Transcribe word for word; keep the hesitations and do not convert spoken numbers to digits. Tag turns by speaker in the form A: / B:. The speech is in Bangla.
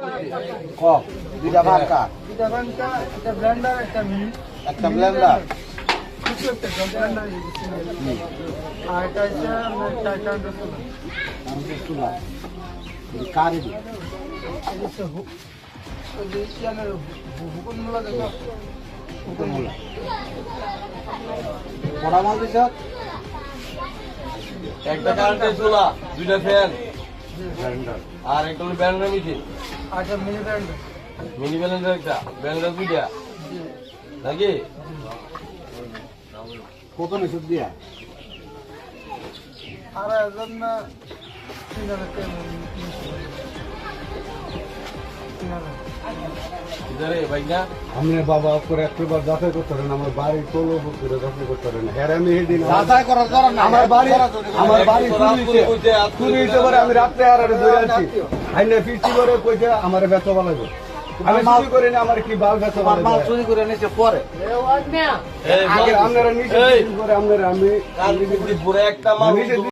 A: কম দুইটা ভাঙ্কা
B: দুইটা বাঙ্কা, একটা ব্লেন্ডার, একটা মিনি।
A: একটা ব্লেন্ডার
B: কিছু একটা ব্লেন্ডার আর এটা হচ্ছে আপনার চার কাউন্টার চুলা।
A: আমাদের চুলা কারি
B: এটা হচ্ছে হু- ওই যে ইয়ানের হু- হুকুন মূলা দেখো।
A: হুকুমুল্লা কড়া মাল দিছ
C: একটা কারেন্টের চুলা, দুইটা ফ্যান,
A: ব্লেন্ডার
C: আর একটা হলো ব্যান্ডার মেশিন,
B: আচ্ছা মিনি ব্লেন্ডার।
C: মিনি ব্যালেন্ডার একটা, ব্যান্ডার দুইটা,
B: জি।
C: নাকি?
A: কত নিচু দিয়া
B: আর একজন না তিন হাজার টাকা নিচ্ছে। তিন হাজার।
C: ইধারে ভাই না?
D: আমি বাবা করে একবার যাচাই করতে পারেন আমার বাড়ি তোলো করে যাচাই করতে পারেন হ্যাঁ আমি সেদিন
A: যাচাই করার দরকার নাই
D: আমার বাড়ি আমার বাড়ি
C: তোর
D: চুরি
C: রাত করে কইতে,
D: হইছে
C: রাত করে
D: চুরি হইতে পারে আমি রাত্রে আর আরে ধরে আছি আইনে ফিস্টি করে কইছে আমার বেচা বালাইবো আমি চুরি করি না আমার কি বাল বেচা
A: তোমার মাল
D: বালাইবো
A: চুরি করে নিচে পরে
C: এই
D: আগে
C: বল,
D: আপনারা নিচে
C: এই,
D: চুরি করে আপনারা আমি
C: কাল পুরে একটা মানুষ
D: নিজে